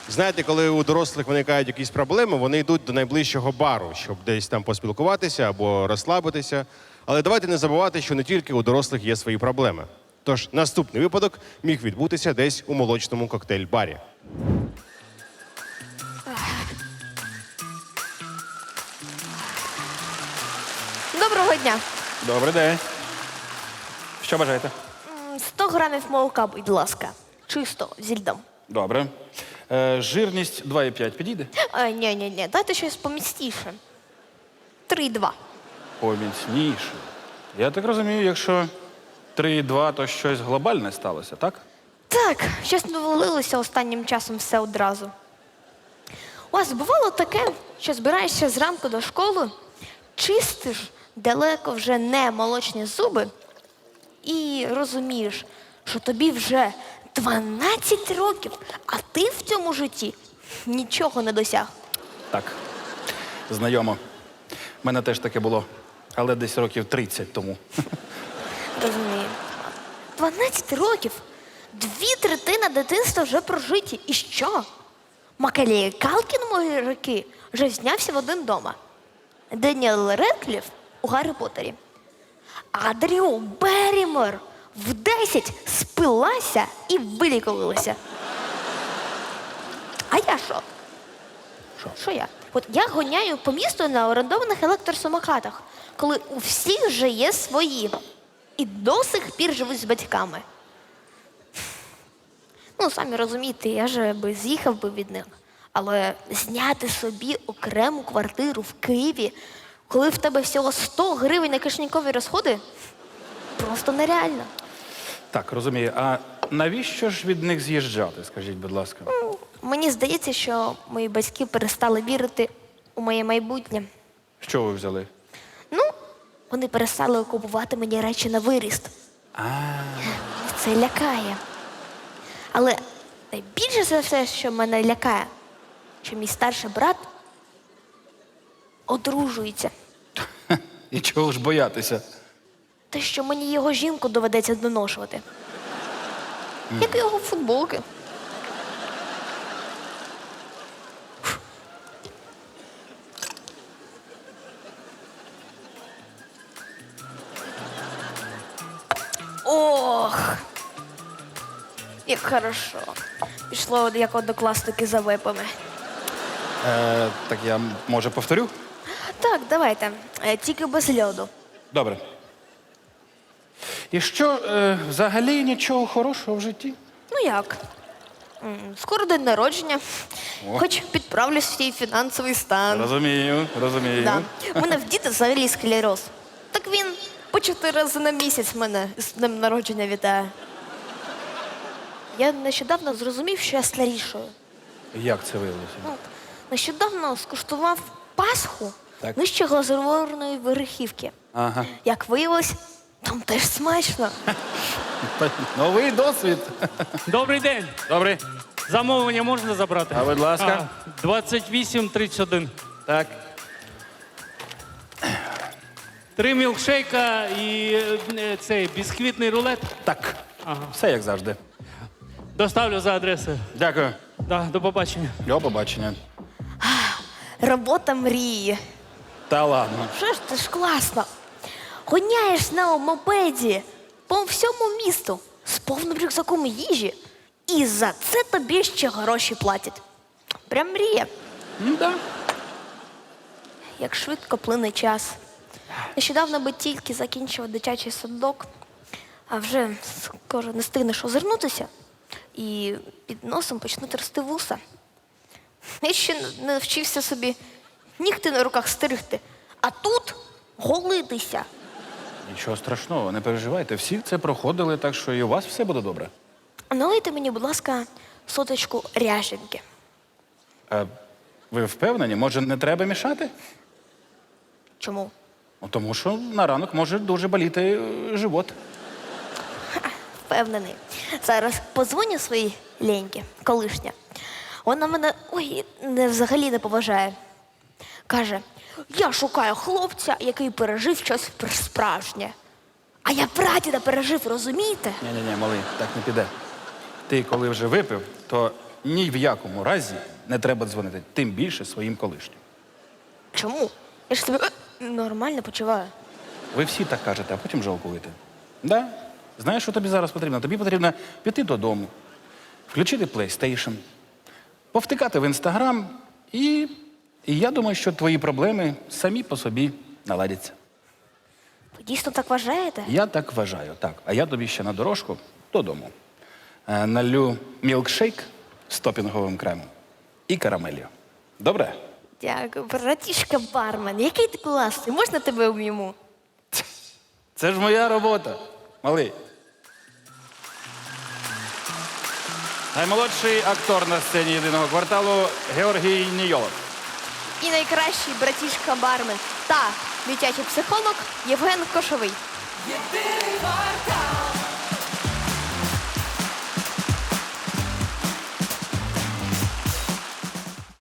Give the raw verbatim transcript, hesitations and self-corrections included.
Знаєте, коли у дорослих виникають якісь проблеми, вони йдуть до найближчого бару, щоб десь там поспілкуватися або розслабитися. Але давайте не забувати, що не тільки у дорослих є свої проблеми. Тож наступний випадок міг відбутися десь у молочному коктейль-барі. Доброго дня. Добрий день. Що бажаєте? М, сто грамів молока, будь ласка. Чисто, зі льдом. Добре. Е, жирність два і п'ять підійде? Е, ні, ні, ні, дайте щось помістіше. три і два. Поміцніше. Я так розумію, якщо три і два, то щось глобальне сталося, так? Так, щось навалилося останнім часом все одразу. У вас бувало таке, що збираєшся зранку до школи, чистиш далеко вже не молочні зуби і розумієш, що тобі вже дванадцять років, а ти в цьому житті нічого не досяг. Так. Знайомо. У мене теж таке було, але десь років тридцять тому. Розумію. дванадцять років. Дві третини дитинства вже прожиті. І що? Макалей Калкін мої роки вже знявся в один дома. Деніел Редкліф у Гаррі Поттері. А Дрю Беррімор в десять спилася і вилікувалася. А я що? Що? Що я? От я гоняю по місту на орендованих електросамокатах, коли у всіх вже є свої. І до сих пір живуть з батьками. Ну, самі розумієте, я же би з'їхав би від них. Але зняти собі окрему квартиру в Києві, коли в тебе всього сто гривень на кишенькові розходи, просто нереально. Так, розумію. А навіщо ж від них з'їжджати, скажіть, будь ласка? Ну, мені здається, що мої батьки перестали вірити у моє майбутнє. Що ви взяли? Ну, вони перестали купувати мені речі на виріст. А, Це лякає. Але найбільше за все, що мене лякає, що мій старший брат одружується. і чого ж боятися? Те, що мені його жінку доведеться доношувати. Як його футболки. Ох, як хорошо. Пішло як однокласники за випами. Е, так я, може, повторю? Так, давайте. Е, Тільки без льоду. Добре. І що, е, взагалі нічого хорошого в житті? Ну як? М, Скоро день народження. О. Хоч підправлю свій фінансовий стан. Розумію, розумію. Да. У мене в діти взагалі склероз. Так він по чотири рази на місяць мене з днем народження вітає. Я нещодавно зрозумів, що я старішою. Як це виявилося? Ну, нещодавно скуштував пасху Так. нижче глазурованої верхівки. Ага. Як виявилось, там теж смачно. Новий досвід. Добрий день. Добре. Замовлення можна забрати? А, будь ласка. А, двадцять вісім тридцять один. Так. Три мілкшейка і е, цей бісквітний рулет. Так. Ага. Все як завжди. Доставлю за адресою. Дякую. Да, до побачення. До побачення. Робота мрії. Та ладно. Що ж це ж класно? Гоняєш на мопеді по всьому місту з повним рюкзаком їжі, і за це тобі ще гроші платять. Прям мрія. Ну, да. Як швидко плине час. Нещодавно би тільки закінчив дитячий садок, а вже скоро не встигнеш озирнутися, і під носом почнуть рости вуса. Я ще не навчився собі нігти на руках стригти, а тут голитися. Нічого страшного, не переживайте. Всі це проходили, так що і у вас все буде добре. Налийте мені, будь ласка, соточку ряженки. А ви впевнені? Може, не треба мішати? Чому? Ну, тому що на ранок може дуже боліти е, живот. Впевнений. Зараз подзвоню своїй Леньки, колишня. Вона мене ой, не, взагалі не поважає. Каже, я шукаю хлопця, який пережив щось справжнє. А я прадіда пережив, розумієте? Ні-ні-ні, малий, так не піде. Ти коли вже випив, то ні в якому разі не треба дзвонити, тим більше своїм колишнім. Чому? Я ж себе е, нормально почуваю. Ви всі так кажете, а потім жалкуєте. Да? Знаєш, що тобі зараз потрібно? Тобі потрібно піти додому, включити PlayStation, повтикати в Instagram і, і я думаю, що твої проблеми самі по собі наладяться. Ви дійсно так вважаєте? Я так вважаю, так. А я тобі ще на дорожку додому. Е, налю мілкшейк з топінговим кремом і карамелью. Добре? Дякую, братішка бармен. Який ти класний, можна тебе обійму? Це ж моя робота, малий. Наймолодший актор на сцені єдиного кварталу Георгій Нійолов. І найкращий братішка бармен та дитячий психолог Євген Кошовий. Єдиний квартал.